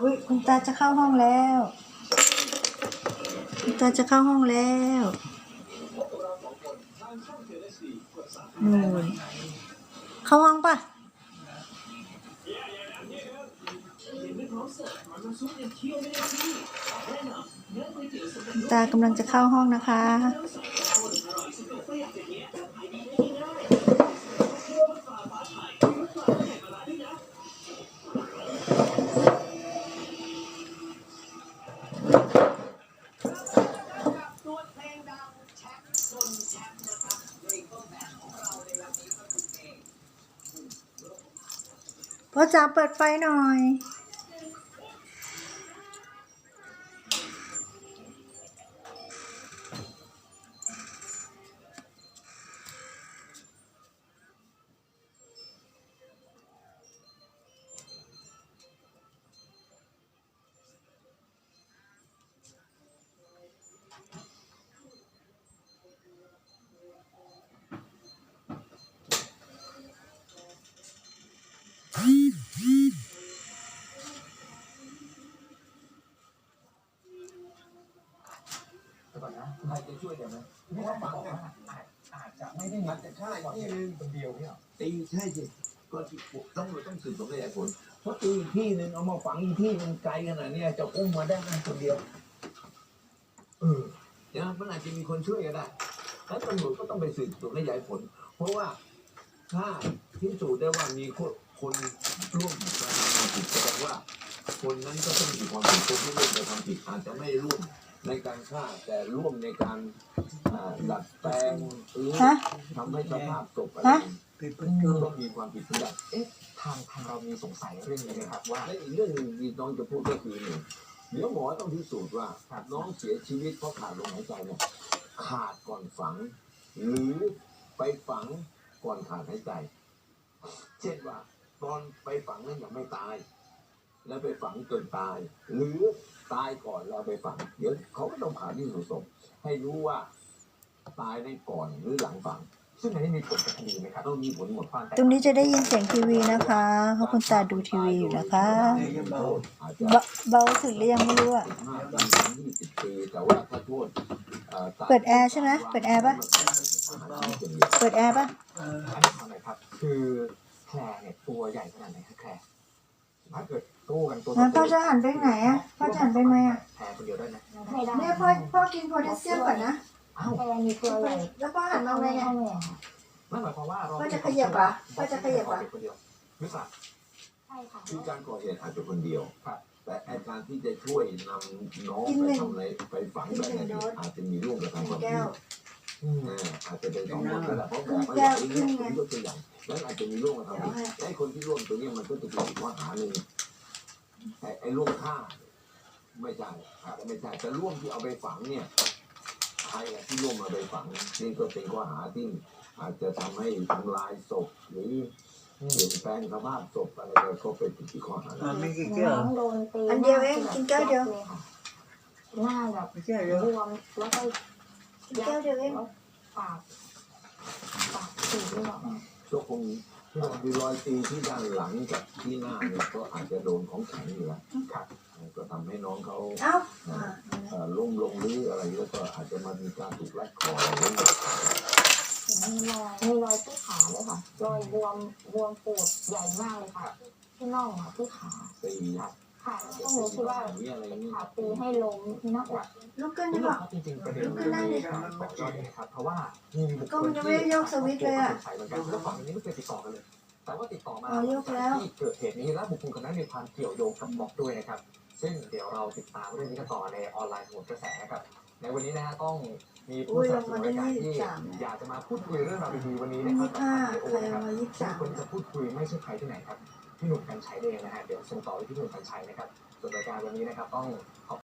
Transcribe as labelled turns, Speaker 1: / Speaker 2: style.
Speaker 1: อุ๊ยคุณตาจะเข้าห้องแล้วคุณตาจะเข้าห้องแล้วนู่นเข้าห้องปะคุณตากำลังจะเข้าห้องนะคะพ่อจ๋าเปิดไฟหน่อย
Speaker 2: ก่อนนะใครจะช่วยได้ไหมเพราะว่าฝังเนี่ยอาจจะไม่ได้มันจะใช่ที่นึงคนเดียวเนี่ยตีใช่สิก็ต้องสืบสวนขยายผลเพราะตีอีกที่นึงเอามาฝังอีกที่นึงไกลขนาดนี้จะอุ้มมาได้กันคนเดียวเดี๋ยวมันอาจจะมีคนช่วยก็ได้แล้วตำรวจก็ต้องไปสืบสวนขยายผลเพราะว่าถ้าพิสูจน์ได้ว่ามีคนร่วมกระทำผิดแสดงว่าคนนั้นก็ต้องมีความผิดคนที่ร่วมกระทำผิดอาจจะไม่ร่วมในการฆ่าแต่ร่วมในการดัดแปลงหรือทำให้สภาพศพอะไรต้องมีความผิดทุกอย่างทางเรามีสงสัยเรื่องนี้นะครับว่าและอีกเรื่องหนึ่งที่น้องจะพูดก็คือเนี่ยเดี๋ยวหมอต้องพิสูจน์ว่าน้องเสียชีวิตเพราะขาดลมหายใจเนี่ยขาดก่อนฝังหรือไปฝังก่อนขาดหายใจเช่นว่าตอนไปฝังนั้นยังไม่ตายแล้วไปฝังจนตายหรือตายก่อนเราไปฝังเดี๋ยวเขาก็ต้องผ่าที่สุดศพให้รู้ว่าตายได้ก่อนหรือหลังฝังซึ่งอันนี้มีผลกับคดีไหมครับต้องมีผลหมดความ
Speaker 1: ตรงนี้จะได้ยินเสียงทีวีนะคะเพราะคุณตาดูทีวีอยู่นะคะเบาสุดหรือยังไม่รู้อ่ะเปิดแอร์ใช่ไหมเปิดแอร์ปะเปิดแอร์ปะ
Speaker 2: อันนี้อะไรครับคือแคลเนี่ยตัวใหญ่ขนาดไหนครับแคลถ้าเกิดตู้กันตัว
Speaker 1: พ่อจะหันไปไหนอ่ะพ่อจะหันไปไหมอ่ะ
Speaker 2: แคลคนเดียวได้ไหม
Speaker 3: ไม่ได้
Speaker 1: เนี่ยพ่อกินโพแทสเซียมก่อนนะ
Speaker 3: แค่มีตัวใหญ่
Speaker 1: แล้วพ่อหันมาไงเนี่ย
Speaker 2: นั่นหมายความว่าเรา
Speaker 1: พ่อจะขยับอ่ะพ่อจะขยับอ่ะ
Speaker 2: คนเดียวไม่ทราบ
Speaker 3: ใช่ค่ะ
Speaker 2: คือการก่อเหตุอาจจะคนเดียวครับแต่การที่จะช่วยนำน้องไปทำอะไรไปฝังแบบนี้อาจจะมีร่วมกับทางความผิดอาจจะเป็นสองคนก็ได้เพราะแบบว่าอย่างนี้ผมยกตัวอย่างแล้วอาจจะมีร่วมกับทำผิดไอ้คนที่ร่วมตัวนี้มันก็จะเป็นข้อหาหนึ่งไอ้ร่วมฆ่าไม่ใช่อาจจะไม่ใช่แต่ร่วมที่เอาไปฝังเนี่ยใครที่ร่วมเอาไปฝังนี่ก็เป็นข้อหาที่อาจจะทำให้ทำลายศพหรือเปลี่ยนแปลงสภาพศพอะไรก็เป็นที่ข้อหา
Speaker 3: ไม่กี่แก้วโดนตี
Speaker 1: อันเดียวเองกินแก้วเดียว
Speaker 3: หน้าแบบบวมแล้วก็
Speaker 1: แก้วเดียวเอง
Speaker 3: ปากสีด้วย
Speaker 2: ก็คงมีรอยตีที่ด้านหลังกับที่หน้าเนี่ยก็อาจจะโดนของแข็งอยู่แล้วครับก็ทำให้น้องเขาล้มลงหรืออะไรแล้วก็อาจจะมามีการถูกรัดคอหรือ
Speaker 3: มีรอยที่ขาเลยค่ะรอยบวมปูดใหญ่มากเลยค่ะที่น่องที่ขา
Speaker 2: ตี
Speaker 3: ค่ะก็หนูคิดว่าขาตีให้ล้มที่หน้าอก
Speaker 1: ลุกขึ้นดีกว่า
Speaker 2: จริงๆประเด็นลุกขึ้นได้เลยครับเพราะว่ามีบุคคลที่
Speaker 1: สวิตช์เลยอ่ะ
Speaker 2: แล้วฝั่งนี้ไม่เคยติดต่อกันเลยแต่ว่าติดต่อมา
Speaker 1: ที่
Speaker 2: เกิดเหตุนี้และบุคคลคนนั้นมีความเกี่ยวโยงกับม็อบด้วยนะครับซึ่งเดี๋ยวเราติดตามเรื่องนี้กันต่อในออนไลน์โหนกระแสครับในวันนี้นะฮะต้องมีผู้สนับสนุนรายการที่อยากจะมาพูดคุยเรื่องราวดีๆวันนี้นะครับคนจะพูดคุยไม่ใช่ใครที่ไหนครับพี่หนุ่มกรรชัยเองนะฮะเดี๋ยวส่งต่อไปที่พี่หนุ่มกรรชัยนะครับส่วนรายการวันนี้นะครับต้องขอบ